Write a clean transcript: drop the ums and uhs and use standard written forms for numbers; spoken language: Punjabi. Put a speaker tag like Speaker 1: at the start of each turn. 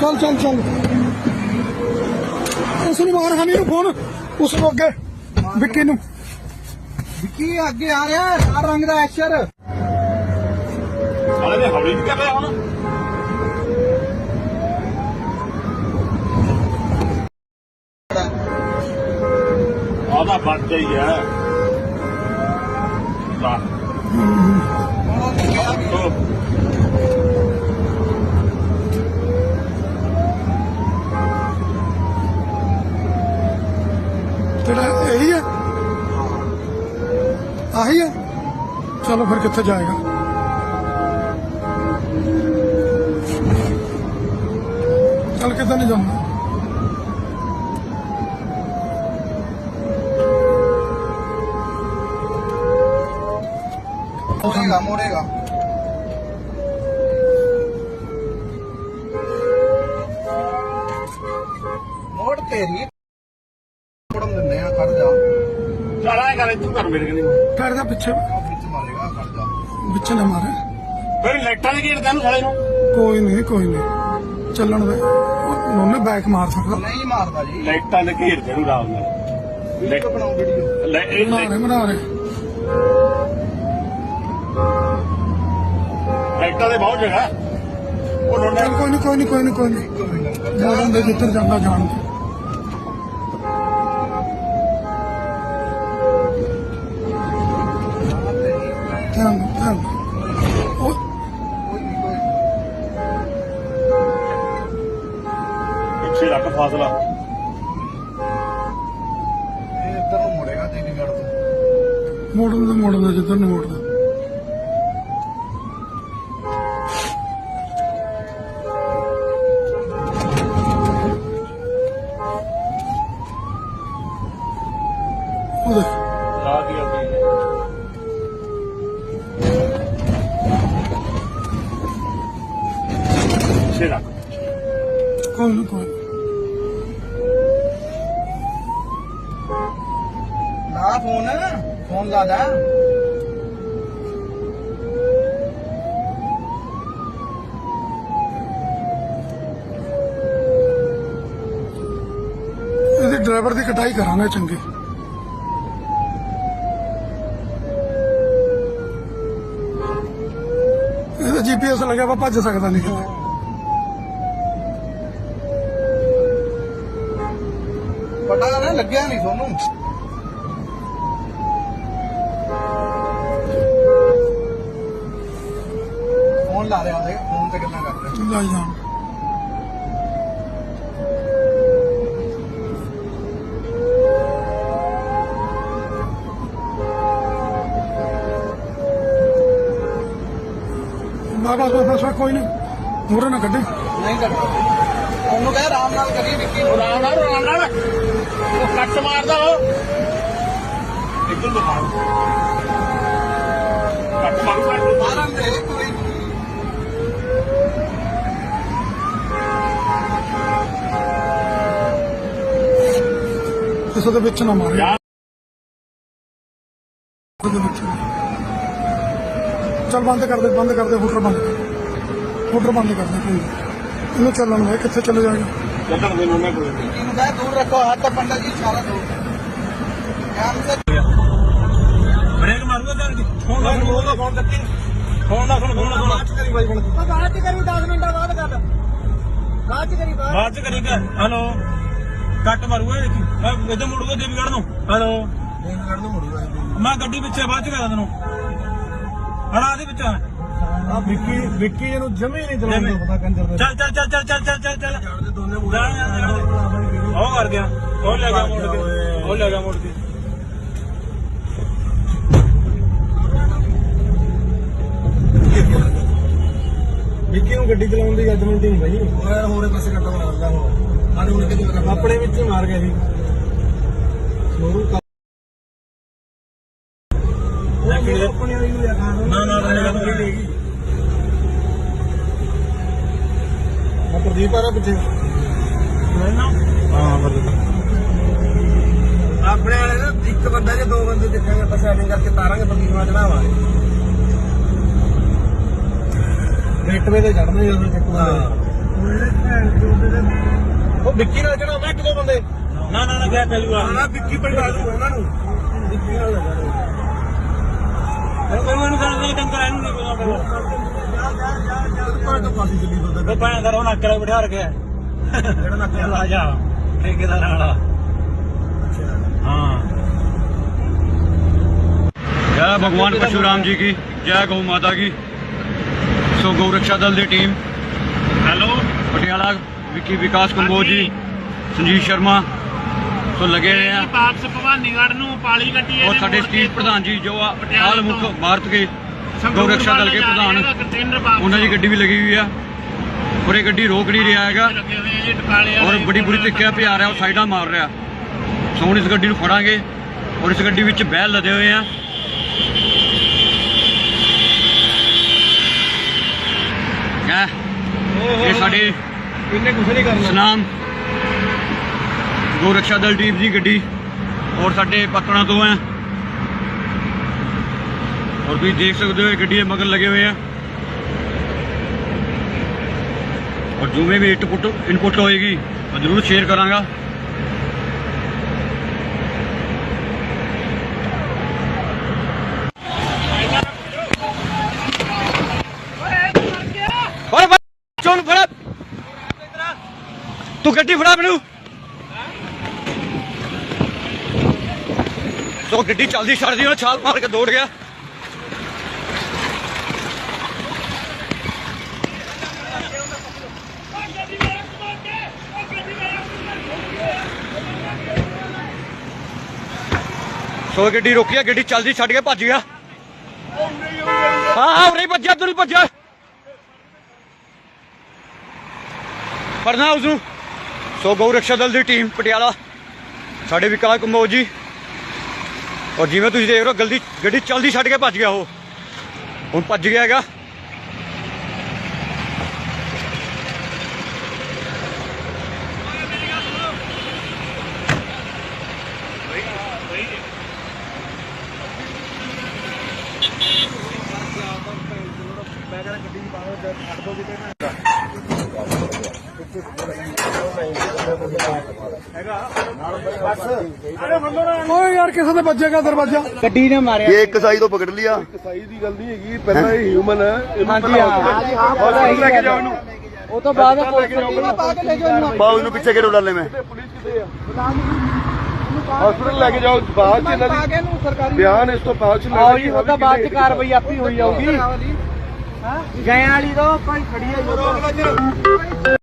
Speaker 1: चल चल चल उसने मार हनी फोन उसको अगे विक्की नू
Speaker 2: विक्की अगे आ रहा है लाल रंग का एशर
Speaker 3: साले ने हौली नहीं कर रहा हूं आधा बच गई है
Speaker 1: तेरा यही है आही है चलो फिर कितने जाएगा चल कितना नहीं जाऊंगा
Speaker 2: मोड़ेगा मोड़ेगा मोड़ तेरी मोड़म दिंदे आ खड़ जा
Speaker 3: चल आए कर तू कर मेरे कनी
Speaker 1: कर दे पीछे
Speaker 2: ਵਿੱਚ ਮਾਰੇਗਾ ਖੜ ਜਾ
Speaker 1: पीछे न मारे
Speaker 3: फिर लाइटां दे घेर तैनू साले नू
Speaker 1: कोई नहीं चलन दे उन्होंने बैक मार सकता
Speaker 2: ਨਹੀਂ ਮਾਰਦਾ ਜੀ
Speaker 3: लाइटां दे घेर तैनू राम नाल
Speaker 2: ਵੀਡੀਓ ਬਣਾਓ ਵੀਡੀਓ
Speaker 1: बना रहे
Speaker 3: लाइटां दे बहुत जगह ਉਹ ਲੋਨੇ
Speaker 1: चल कोई नहीं जान दे जिधर जाना जान दे ध्यान ओ
Speaker 3: ਪਿੱਛੇ ਰੱਖ ਫਾਸਲਾ
Speaker 2: ਇਹ ਇੱਧਰ ਨੂੰ ਮੁੜੇਗਾ ਚੰਡੀਗੜ੍ਹ ਤੋਂ
Speaker 1: मोड़न दे जिधर नहीं मोड़ना
Speaker 3: ਲਾ ਦਿਆ ਬਈ ਪਿੱਛੇ ਰੱਖ
Speaker 1: कोई नहीं
Speaker 2: ਲਾ ਫੋਨ ਲਾ ਲੈ
Speaker 1: ਇਹਦੇ ਡਰਾਈਵਰ ਦੀ ਕਟਾਈ ਕਰਾਂਗੇ ਚੰਗੀ ਇਹਦਾ ਜੀਪੀਐਸ ਲੱਗਿਆ ਵਾ ਭੱਜ ਸਕਦਾ ਨਹੀਂ ਕਿਤੇ
Speaker 2: ਪਤਾ ਨਾ ਲੱਗਿਆ ਨਹੀਂ ਤੁਹਾਨੂੰ ਫੋਨ ਲਾ ਰਿਹਾ ਉਹਦੇ ਫੋਨ ਤੇ ਗੱਲਾਂ ਕਰ ਰਿਹਾ
Speaker 1: ਲੈ ਜਾਣ ਬਸ ਕੋਈ ਨਹੀਂ ਮੂਹਰੇ ਨਾ ਕੱਢੀ
Speaker 2: ਨਹੀਂ ਕਰਦਾ ਉਹਨੂੰ ਕਹਿ ਆਰਾਮ ਨਾਲ ਕਰੀ ਵਿੱਕੀ ਨੂੰ
Speaker 3: ਰਾਮ ਨਾਲ ਉਹ ਕੱਟ ਮਾਰਦਾ ਉਹ ਇੱਧਰ ਨੂੰ ਮਾਰ ਕੱਟ ਮਾਰੂ
Speaker 2: ਮਾਰਨ ਦੇ ਕੋਈ
Speaker 1: ਇਸ ਦੇ ਵਿੱਚ ਨਾ ਮਾਰੇ
Speaker 3: ਯਾਰ
Speaker 1: ਉਹਦੇ ਵਿੱਚ ਚੱਲ ਬੰਦ ਕਰ ਦੇ ਹੂਟਰ ਬੰਦ ਕਰ ਦੇ ਕੋਈ ਇਹਨੂੰ ਚੱਲਣ ਦੇ ਕਿੱਥੇ ਚਲੇ ਜਾਏਗਾ
Speaker 3: ਚੱਲਣ ਦੇ ਨੋਨੇ ਕੋਲ
Speaker 2: ਵਿੱਕੀ ਨੂੰ ਕਹਿ ਦੂਰ ਰੱਖੋ ਹੱਥ ਪੰਡਾ ਜੀ ਇਸ਼ਾਰਾ ਦੋ ਧਿਆਨ ਸੇ
Speaker 3: ਬ੍ਰੇਕ ਮਾਰੂਗਾ ਤਾਂ ਫੋਨ ਕੱਟੀ ਫੋਨ ਬਾਅਦ ਚ ਕਰੀ ਬਾਈ ਬਣ
Speaker 2: ਬਾਅਦ ਚ ਕਰੀ 10 ਮਿੰਟਾਂ ਬਾਅਦ ਕਰ ਬਾਅਦ ਚ ਕਰੀ
Speaker 3: ਬਾਅਦ ਚ ਕਰੀ ਕਰ ਹਲੋ ਕੱਟ ਮਾਰੂਗਾ ਦੇਖੀ ਇੱਧਰ ਮੁੜੂਗਾ ਦੇਵੀਗੜ੍ਹ ਨੂੰ ਹਲੋ
Speaker 2: ਦੇਵਗੜ੍ਹ ਨੂੰ ਮੁੜੂਗਾ
Speaker 3: ਮੈਂ ਗੱਡੀ ਪਿੱਛੇ ਬਾਅਦ ਚ ਕਰਾਂ ਤੈਨੂੰ ਹੜਾ ਦੇ ਵਿੱਚ
Speaker 1: ਵਿੱਕੀ ਇਹਨੂੰ ਜਮੇ ਨਹੀਂ
Speaker 3: ਚਲਾਉਣ ਦਾ
Speaker 1: ਪਤਾ ਕੰਜਰ
Speaker 3: ਚੱਲ
Speaker 2: ਦੇ ਦੋਨੇ ਮੁੜੇ
Speaker 3: ਉਹ ਕਰ ਗਿਆ ਉਹ ਲੈ ਗਿਆ ਮੋੜ ਕੇ
Speaker 1: ਵਿੱਕੀ ਨੂੰ ਗੱਡੀ ਚਲਾਉਣ ਦੀ ਜੱਜਮੈਂਟ ਹੀ ਨਹੀਂ ਭਾਈ
Speaker 2: ਉਹ ਯਾਰ ਹੋਰੇ ਪਾਸੇ ਕੱਟਾ ਮਾਰਦਾ ਹੁਣ ਆਨੇ ਉਹਨੇ ਕਿਤੇ
Speaker 1: ਆਪਣੇ ਵਿੱਚ ਹੀ ਮਾਰ ਗਿਆ ਸੀ ਸ਼ੋਰੂ ਆਪਣੇ ਵਾਲੀ ਨੂੰ ਲਿਆ ਖਾਣ
Speaker 3: ਨਾ
Speaker 1: ਪ੍ਰਦੀਪ ਆ ਰਿਹਾ ਪਿੱਛੇ
Speaker 3: ਹਾਂ ਬਰਦਰ
Speaker 2: ਆਪਣੇ ਵਾਲੇ ਨਾ ਇੱਕ ਬੰਦਾ ਜਾਂ ਦੋ ਬੰਦੇ ਦੇਖਾਂਗੇ ਆਪਾਂ ਸੈਟਿੰਗ ਕਰਕੇ ਤਾਰਾਂਗੇ ਪ੍ਰਦੀਪ ਨਾਲ ਚੜਾਵਾਂਗੇ
Speaker 1: ਗੇਟਵੇ ਤੇ ਚੜਨਾ ਜਦੋਂ ਚੱਕੂ
Speaker 2: ਹਾਂ
Speaker 3: ਉਹ ਵਿੱਕੀ ਨਾਲ ਜਿਹੜਾ ਮੈਂ ਇੱਕ ਦੋ ਬੰਦੇ ਨਾ ਨਾ ਨਾ ਕਿਆ ਚੱਲੂਗਾ
Speaker 2: ਨਾ ਵਿੱਕੀ ਪਿੰਡਾ ਦੂ ਉਹਨਾਂ ਨੂੰ ਵਿੱਕੀ ਨਾਲ
Speaker 3: ਮੈਨੂੰ ਸਾਨੂੰ ਟੰਕਰ ਇਹਨੂੰ ਨਹੀਂ ਪਤਾ
Speaker 2: ਕੋਈ ਤਾਂ ਪਾਸੀ ਚੱਲੀ ਦੋ
Speaker 3: ਉਹ ਪਾਣ ਦਾ ਉਹਨਾਂ ਕਿਲੇ ਬਿਠਾ ਰੱਖਿਆ
Speaker 2: ਜਿਹੜਾ ਨਾ ਕਿਹਾ
Speaker 3: ਆ ਜਾ ਠੇਕੇਦਾਰ ਵਾਲਾ हाँ।
Speaker 4: जय भगवान परशुराम जी की, जय गौ माता की। सो गौ रक्षा दल की टीम
Speaker 3: हेलो
Speaker 4: पटियाला विकी विकास कंबोज जी, संजीव शर्मा सो लगे हुए हैं
Speaker 3: वापस भवानीगढ़ ਨੂੰ ਪਾਲੀ ਗੱਡੀ
Speaker 4: और साढ़े स्टील प्रधान जी जो हाल मुख्य भारत के गौ रक्षा दल के प्रधान उन्होंने की गड्डी भी लगी हुई है और ये गड्डी रोक नहीं रहा है और बड़ी बुरी तरीके पे आ रहा है और साइडा मार रहा है। सो हम इस गड्डी ਨੂੰ ਫੜਾਂਗੇ और इस गड्डी ਵਿੱਚ बैल लदे हुए हैं। ये साढ़े
Speaker 3: ਇਹਨੇ ਕੁਝ ਨਹੀਂ ਕਰਨਾ
Speaker 4: सनाम गौ रक्षा दल टीम की गड्डी और साढ़े पकड़ा तो हैं और तुम देख सकते हो गड्डी मगर लगे हुए हैं और जो में भी इनपुट होएगी मैं जरूर शेयर करांगा। तू गड्डी फड़ा मैनू तो गड्डी चलती छड़ दी छाल मार के दौड़ गया। सो गड्डी रोकी है, गड्डी चलती छड़ के भज गया। हाँ उरे भज्या तू नहीं भज्या फड़ना उसनू। सो गौ रक्षा दल की टीम पटियाला साढ़े विकास कंबोज जी और जिवें तुसीं देख रहे हो गलती गड्डी चलती छड़ के भज गया वो हुण भज गया हैगा।
Speaker 1: ਓਏ ਯਾਰ ਕਿਸੇ ਦੇ ਵੱਜੇਗਾ ਦਰਵਾਜ਼ਾ
Speaker 5: ਗੱਡੀ ਨੇ ਮਾਰਿਆ
Speaker 6: ये एक कसाई तो पकड़ लिया
Speaker 2: ਕਸਾਈ ਦੀ ਗੱਲ ਨਹੀਂ ਹੈਗੀ ਪਹਿਲਾਂ ਇਹ ਹਿਊਮਨ ਹੈ ਇਹਨੂੰ
Speaker 5: ਹਾਂਜੀ ਹਾਂ
Speaker 2: ਹਸਪੀਟਲ ਲੈ ਕੇ ਜਾਓ ਇਹਨੂੰ
Speaker 5: ਉਹ ਤੋਂ ਬਾਅਦ ਪਾ ਕੇ ਲੈ ਜਾਓ
Speaker 6: पाओ इन्हों पीछे के डाले में
Speaker 2: ਪੁਲਿਸ ਕਿੱਥੇ ਆ ਹਸਪੀਟਲ ਲੈ ਕੇ ਜਾਓ ਬਾਅਦ ਚ ਇਹਨਾਂ
Speaker 5: ਪਾ ਕੇ
Speaker 2: ਦੀ
Speaker 5: ਨੂੰ ਸਰਕਾਰੀ
Speaker 2: ਬਿਆਨ ਇਸ ਤੋਂ ਬਾਅਦ ਚ
Speaker 5: ਆਓ ਜੀ ਉਹ ਤਾਂ ਬਾਅਦ ਚ ਕਾਰਵਾਈ ਆਪੀ ਹੋਈ ਜਾਊਗੀ ਹਾਂ ਗਏ ਵਾਲੀ ਤੋਂ ਕੋਈ ਖੜੀ ਹੈ